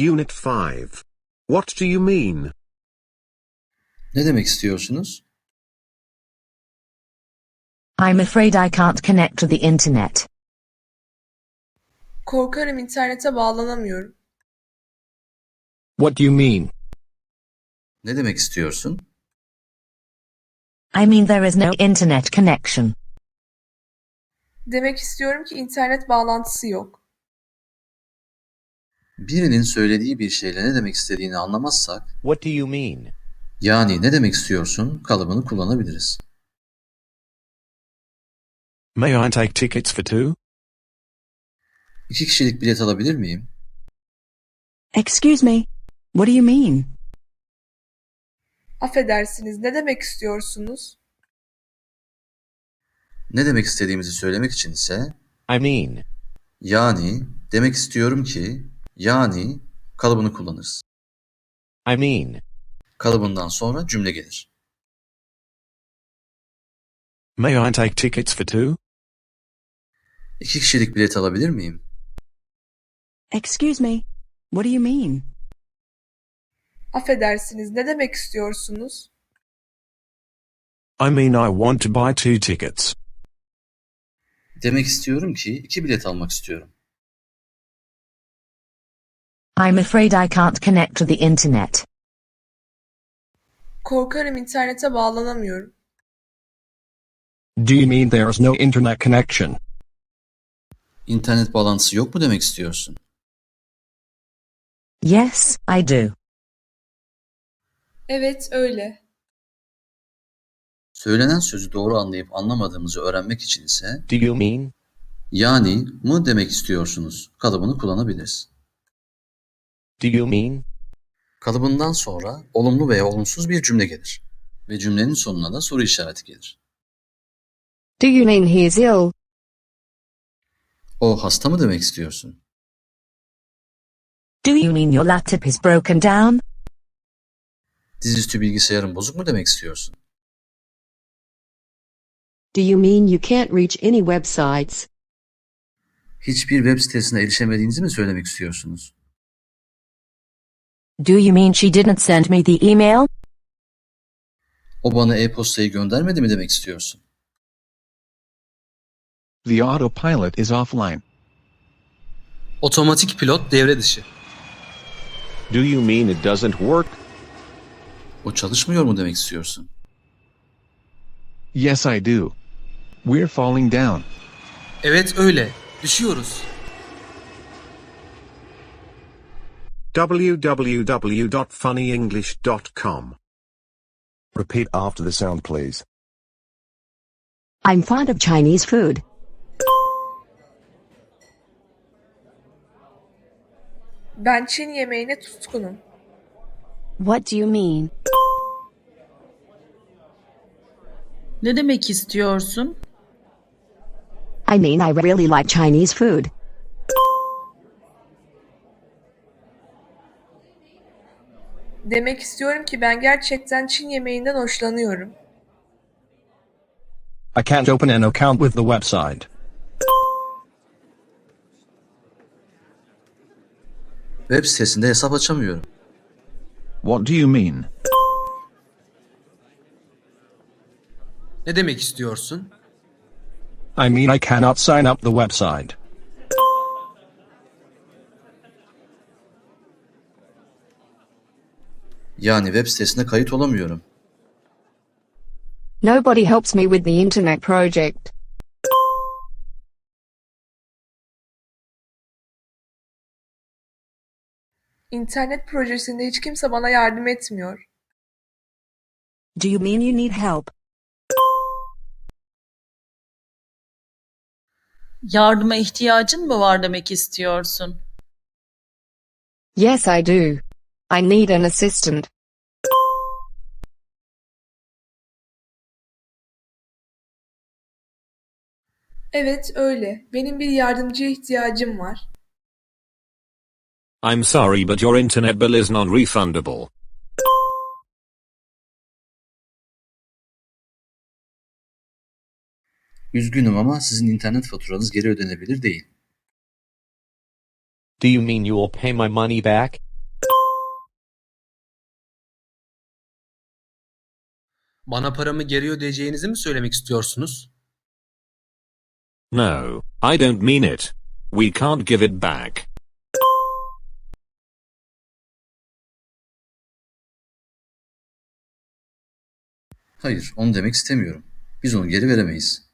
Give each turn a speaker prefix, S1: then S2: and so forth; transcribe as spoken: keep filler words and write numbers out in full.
S1: Unit five. What do you mean?
S2: Ne demek istiyorsunuz?
S3: I'm afraid I can't connect to the internet.
S4: Korkarım internete bağlanamıyorum.
S5: What do you mean?
S2: Ne demek istiyorsun?
S3: I mean there is no internet connection.
S4: Demek istiyorum ki internet bağlantısı yok.
S2: Birinin söylediği bir şeyle ne demek istediğini anlamazsak,
S6: What do you mean?
S2: yani ne demek istiyorsun kalıbını kullanabiliriz.
S6: May I take tickets for two?
S2: İki kişilik bilet alabilir miyim?
S3: Excuse me, what do you mean?
S4: Affedersiniz, ne demek istiyorsunuz?
S2: Ne demek istediğimizi söylemek için ise,
S6: I mean.
S2: yani, demek istiyorum ki, yani kalıbını kullanırız.
S6: I mean.
S2: Kalıbından sonra cümle gelir.
S6: May I take tickets for two?
S2: İki kişilik bilet alabilir miyim?
S3: Excuse me, what do you mean?
S4: Affedersiniz, ne demek istiyorsunuz?
S6: I mean I want to buy two tickets.
S2: Demek istiyorum ki iki bilet almak istiyorum.
S3: I'm afraid I can't connect to the internet.
S4: Korkarım internete bağlanamıyorum.
S5: Do you mean there is no internet connection?
S2: İnternet bağlantısı yok mu demek istiyorsun?
S3: Yes, I do.
S4: Evet, öyle.
S2: Söylenen sözü doğru anlayıp anlamadığımızı öğrenmek için ise,
S6: Do you mean?
S2: yani mı demek istiyorsunuz kalıbını kullanabiliriz.
S6: Do you mean?
S2: Kalıbından sonra olumlu veya olumsuz bir cümle gelir ve cümlenin sonuna da soru işareti gelir.
S7: Do you mean he's ill?
S2: O hasta mı demek istiyorsun?
S3: Do you mean your laptop is broken down?
S2: Dizüstü bilgisayarın bozuk mu demek istiyorsun?
S7: Do you mean you can't reach any websites?
S2: Hiçbir web sitesine erişemediğinizi mi söylemek istiyorsunuz?
S3: Do you mean she didn't send me the email?
S2: O bana e-postayı göndermedi mi demek istiyorsun?
S8: The autopilot is offline.
S9: Otomatik pilot devre dışı.
S6: Do you mean it doesn't work?
S2: O çalışmıyor mu demek istiyorsun?
S8: Yes, I do. We're falling down.
S9: Evet öyle. Düşüyoruz.
S1: w w w dot funny english dot com.
S10: Repeat after the sound, please.
S7: I'm fond of Chinese food.
S4: Ben Çin yemeğine tutkunum.
S7: What do you mean?
S11: Ne demek istiyorsun?
S7: I mean I really like Chinese food.
S4: Demek istiyorum ki ben gerçekten Çin yemeğinden hoşlanıyorum.
S5: I can't open an account with the website.
S2: Web sitesinde hesap açamıyorum.
S8: What do you mean?
S9: Ne demek istiyorsun?
S5: I mean I cannot sign up the website.
S2: Yani web sitesine kayıt olamıyorum.
S7: Nobody helps me with the internet project.
S4: İnternet projesinde hiç kimse bana yardım etmiyor.
S3: Do you mean you need help?
S11: Yardıma ihtiyacın mı var demek istiyorsun?
S7: Yes, I do. I need an assistant.
S4: Evet, öyle. Benim bir yardımcıya ihtiyacım var.
S6: I'm sorry but your internet bill is non-refundable.
S2: Üzgünüm ama sizin internet faturanız geri ödenebilir değil.
S6: Do you mean you will pay my money back?
S9: Bana paramı geri ödeyeceğinizi mi söylemek istiyorsunuz?
S6: No, I don't mean it. We can't give it back.
S2: Hayır, onu demek istemiyorum. Biz onu geri veremeyiz.